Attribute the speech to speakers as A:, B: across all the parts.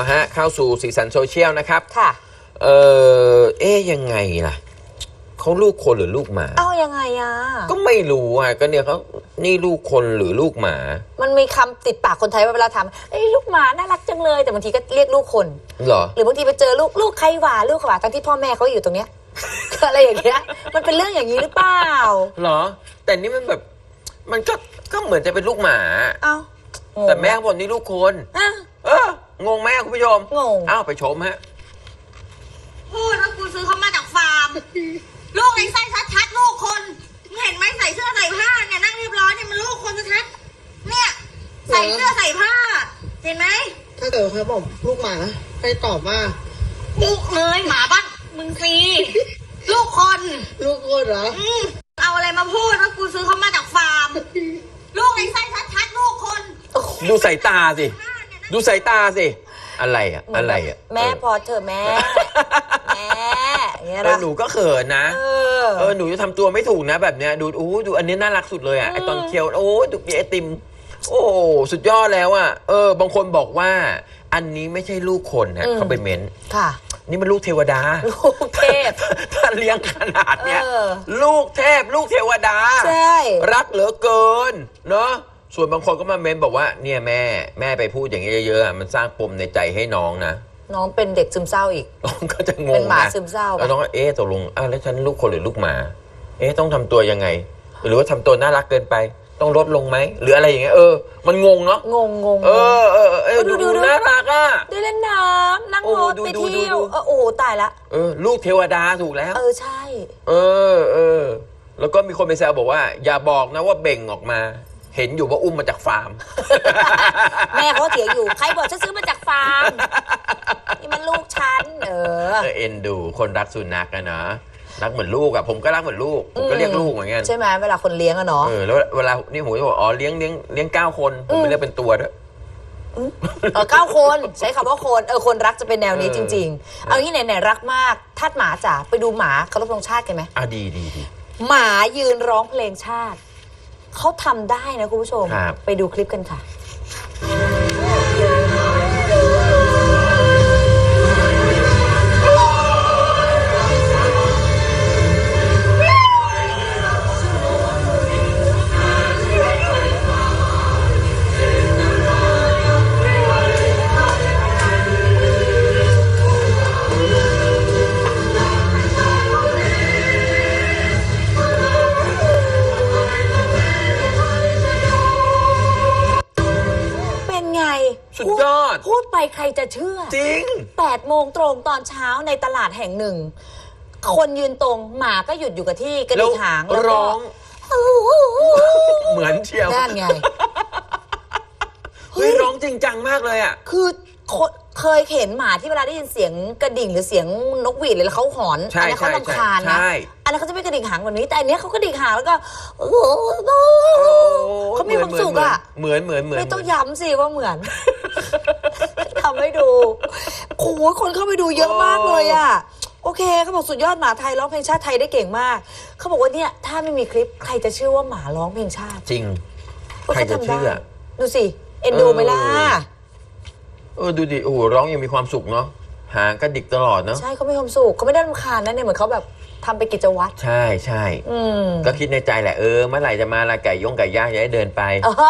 A: ฮะเข้าสู่สีสันโซเชียลนะครับ
B: ค่ะ
A: ยังไงล่ะเขาลูกคนหรือลูกหมา
B: ยังไงอ่ะ
A: ก็ไม่รู้อ่ะก็เนี่ยเขานี่ลูกคนหรือลูกหมา
B: มันมีคำติดปากคนไทยว่าเวลาถามลูกหมาน่ารักจังเลยแต่บางทีก็เรียกลูกคน
A: เหรอ
B: หรือบางทีไปเจอลูกใครหว่าลูกหว่าทั้งที่พ่อแม่เขาอยู่ตรงเนี้ยอะไรอย่างเงี้ยมันเป็นเรื่องอย่างนี้หรือเปล่า
A: เหรอแต่นี่มันแบบมันก็เหมือนจะเป็นลูกหมาแต่แม่บอกนี่ลูกคนงงไหมคุณผู้ชม
B: งง
A: ไปชมฮะ
C: พูดว่ากูซื้อเขามาจากฟาร์มลูกในไส้ชัดๆลูกคนเห็นไหมใส่เสื้อใส่ผ้าเนี่ยนั่งเรียบร้อยเนี่ยมันลูกคนชัดๆเนี่ยใส่เสื้อใส่ผ้าเห็นไหม
D: ถ้าเกิดเขาบอกลูกหมาให้ตอบว่า
C: ลูกเลยหมาบ้านมึงซีลูกคน
D: เหรอ
C: เอาอะไรมาพูดว่ากูซื้อเขามาจากฟาร์มลูกในไส้ชัดๆลูกคน
A: ดูสายตาสิดูสายตาสิอะไร
B: แม่พอเธอแม่เนี่ย
A: หนูก็เขินนะหนูจะทำตัวไม่ถูกนะแบบเนี้ยดูอันนี้น่ารักสุดเลยอ่ะไอตอนเคี้ยวดูไอติมโอ้สุดยอดแล้วอ่ะบางคนบอกว่าอันนี้ไม่ใช่ลูกคนนะเขาไปเม้น
B: ค่ะ
A: นี่มันลูกเทวดา
B: ลูกเทพ
A: ถ้าเลี้ยงขนาดเนี้ยลูกเทพลูกเทวดา
B: ใช่
A: รักเหลือเกินเนาะส่วนบางคนก็มาเม้นบอกว่าเนี่ยแม่ไปพูดอย่างนี้เยอะๆมันสร้างปมในใจให้น้องนะ
B: น้องเป็นเด็กซึมเศร้าอีก
A: น้องก็จะงงนะ
B: เป็นหมาซึมเศร้า
A: แล้วน้องก็ตกลงแล้วฉันลูกคนหรือลูกหมาต้องทำตัวยังไงหรือว่าทำตัวน่ารักเกินไปต้องลดลงไหมหรืออะไรอย่างเงี้ยมันงงเนาะ
B: งง
A: ดูน่ารักอ่ะ
B: ได้เล่นน้ำนั่งรถไปเที่ยวตายละ
A: ลูกเทวดาถูกแล้ว
B: ใช่
A: แล้วก็มีคนไปแซวบอกว่าอย่าบอกนะว่าเบ่งออกมาเห็นอยู่ว่าอุ้มมาจากฟาร์ม
B: แม่เขาเถียงอยู่ใครบอกฉันซื้อมาจากฟาร์มนี่มันลูกฉัน
A: เอ็นดูคนรักสุนัขนะเนาะรักเหมือนลูกอะผมก็รักเหมือนลูกผมก็เรียกลูกเหมือนกัน
B: ใช่ไหมเวลาคนเลี้ยงอะเนาะ
A: แล้วเวลานี่ผมจะบอกเลี้ยง9 คนผมไม่เรียกเป็นตัวด้วย
B: 9 คนใช้คำว่าคนรักจะเป็นแนวนี้จริงๆเอางี้ไหนรักมากทาสหมาจ๋าไปดูหมาเคารพธงชาติกันไหม
A: ดี
B: หมายืนร้องเพลงชาติเขาทำได้นะคุณผู้ชมไปดูคลิปกันค่ะ
A: สุดยอด
B: พูดไปใครจะเชื่อ
A: จริง
B: 8 โมงตรงตอนเช้าในตลาดแห่งหนึ่งคนยืนตรงหมาก็หยุดอยู่กับที่กระดิกหางแล้ว
A: ร้องเหมือนเชียว
B: นั่นไง
A: ร้องจริงจังมากเลยอ่ะ
B: คือเคยเห็นหมาที่เวลาได้ยินเสียงกระดิ่งหรือเสียงนกหวีดเลยแล้วเขาหอนอันนี้เขารำคาญนะอันนั้นเขาจะไม่กระดิ่งหางแบบนี้แต่อันนี้เขากระดิ่งหางแล้วก็เขามีความสุขอ่ะ
A: เหมือน
B: ไม่ต้องย้ำสิว่าเหมือนทำให้ดูโอ้โหคนเข้าไปดูเยอะมากเลยอ่ะโอเคเขาบอกสุดยอดหมาไทยร้องเพลงชาติไทยได้เก่งมากเขาบอกว่าเนี่ยถ้าไม่มีคลิปใครจะเชื่อว่าหมาร้องเพลงชาติ
A: จริงใครจะเชื่อ
B: ดูสิเอ็นดูไหมล่ะ
A: ดูดิโอ้โหร้องยังมีความสุขเนาะหางกระดิกตลอดเนาะ
B: ใช่เขาไม่ความสุขเขาไม่ได้รำคาญนะเนี่ยเหมือนเขาแบบทำไปกิจวัตร
A: ใช่ก็คิดในใจแหละเมื่อไหร่จะมาละไก่ย่างจะได้เดินไป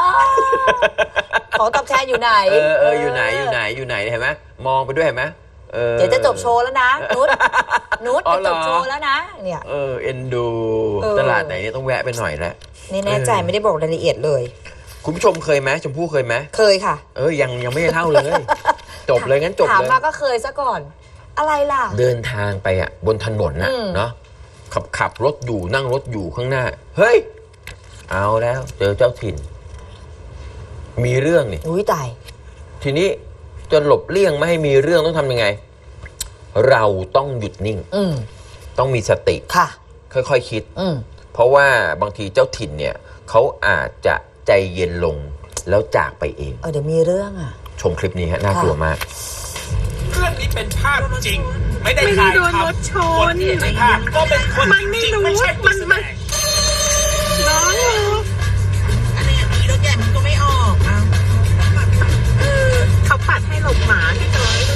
B: ของตอบแทนอยู่ไหน
A: อยู่ไหนเห็นไหมมองไปด้วยเห็นไหม
B: เดี๋ยวจะจบโชว์แล้วนะนุชจะจบโชว์แล้วนะเนี่ย
A: เอ็นดูตลาดไหนเนี่ยต้องแวะไปหน่อยแล้ว
B: นี่แน่ใจไม่ได้บอกรายละเอียดเลย
A: คุณผู้ชมเคยไหมชมพู่เคยไหม
B: เคยค่ะ
A: ยังไม่เท่าเลยจบเลยงั้นจบเลย
B: ถามมาก็เคยซะก่อนอะไรล่ะ
A: เดินทางไปบนถนนเนาะขับรถอยู่นั่งรถอยู่ข้างหน้าเฮ้ยเอาแล้วเจอเจ้าถิ่นมีเรื่องนี่
B: ตาย
A: ทีนี้จะหลบเลี่ยงไม่ให้มีเรื่องต้องทำยังไงเราต้องหยุดนิ่งต้องมีสติ
B: ค่ะ
A: ค่อยๆคิดเพราะว่าบางทีเจ้าถิ่นเนี่ยเขาอาจจะใจเย็นลงแล้วจากไปเอง
B: เดี๋ยวมีเรื่อง
A: ชมคลิปนี้ฮะน่ากลัวมาก
E: เรื่องนี้เป็นภาพจริงไม่ได้ถ่ายทำคนที่ในภาพก็เป็นคนจริงไม่ใช่มัน
C: น้องอะไรอย่างนี้รถใหญ่มันก็ไม่ออก
F: เขาปัดให้หลบหมาที่จอด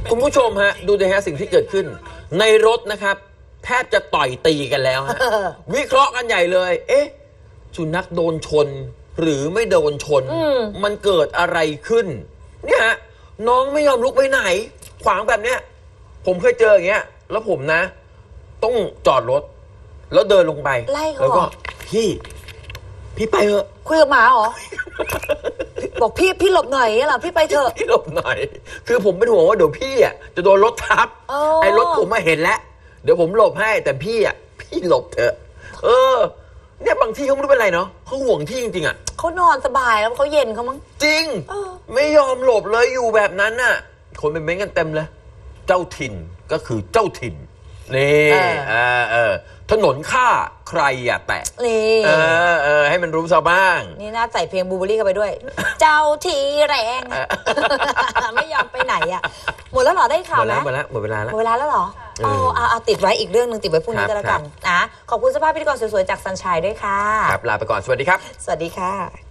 A: คุณผู้ชมฮะ ดูดิฮะสิ่งที่เกิดขึ้น ในรถนะครับ แทบจะต่อยตีกันแล้วฮะ วิเคราะห์กันใหญ่เลย เอ๊ะ สุนัขโดนชน หรือไม่โดนชน มันเกิดอะไรขึ้น เนี่ยฮะ น้องไม่ยอมลุกไปไหน ขวางแบบเนี้ย ผมเคยเจออย่างเงี้ย แล้วผมนะ ต้องจอดรถ แล้วเดินลงไป
B: ไล่เขา
A: แล้วก็
B: เหรอ
A: พี่ไปเถอะ
B: คุยกับหมาเหรอ บอกพี่หลบหน่อยเหรอพี่ไปเถอะ
A: พี่หลบหน่อย คือผมเป็นห่วงว่าเดี๋ยวพี่อ่ะจะโดนรถทับ
B: อ๋อ
A: ไอ้รถผมมาเห็นแล้ว เดี๋ยวผมหลบให้ แต่พี่อ่ะ พี่หลบเถอะ เนี่ยบางที่เขาไม่รู้เป็นไรเนาะเขาห่วงที่จริงๆอ่ะ
B: เขานอนสบายแล้วเขาเย็นเขามั้ง
A: จริง
B: เออ
A: ไม่ยอมหลบเลยอยู่แบบนั้นน่ะ คนเป็นเม้นต์กันเต็มเลย เจ้าถิ่นก็คือเจ้าถิ่น นี่ถนนข้าใครอย่าแตะ
B: นี่
A: ให้มันรู้ซะบ้าง
B: นี่น่าใส่เพลงบูเบอรี่เข้าไปด้วย เจ้าทีแรง ไม่ยอมไปไหนอ่ะ หมดแล้วเหรอได้ข่าวไหม
A: หมดแล้วหมดเวลาแล้ว
B: หมดเวลาแล้วเหรอ
A: เออ
B: เอาติดไว้อีกเรื่องหนึ่งติดไว้พรุ่งนี้
A: ครับ
B: ก็แล้วกันนะขอบคุณสภาพพิธีกรสวยๆจากซันชัยด้วยค่ะ
A: ครับลาไปก่อนสวัสดีครับ
B: สวัสดีค่ะ